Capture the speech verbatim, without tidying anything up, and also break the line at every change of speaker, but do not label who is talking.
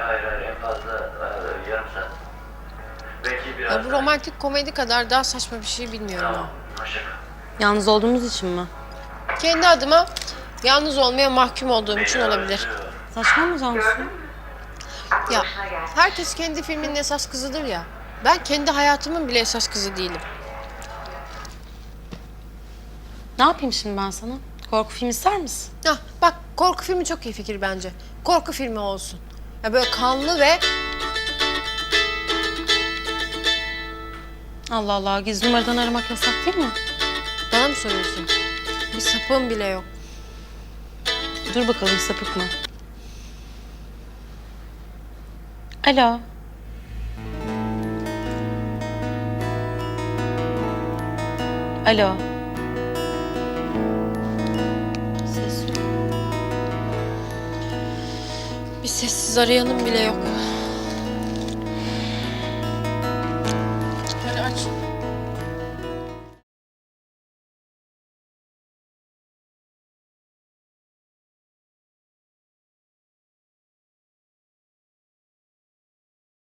hayır hayır en fazla e, yarım saat. Belki biraz
Ya bu romantik komedi kadar daha saçma bir şey bilmiyorum.
Tamam, hoşça kal.
Yalnız olduğumuz için mi?
Kendi adıma yalnız olmaya mahkum olduğum için
Beni
olabilir.
özlüyor.
Saçma mı Cansu?
Ya herkes kendi filminin esas kızıdır ya. Ben kendi hayatımın bile esas kızı değilim.
Ne yapayım şimdi ben sana? Korku filmi ister misin?
Hah, bak korku filmi çok iyi fikir bence. Korku filmi olsun. Ya böyle kanlı ve
Allah Allah, gizli numaradan aramak yasak değil mi?
bana mı soruyorsun? Bir sapığım bile yok.
Dur bakalım, sapık mı? Alo. Alo. Ses yok.
Bir sessiz arayanım bile yok.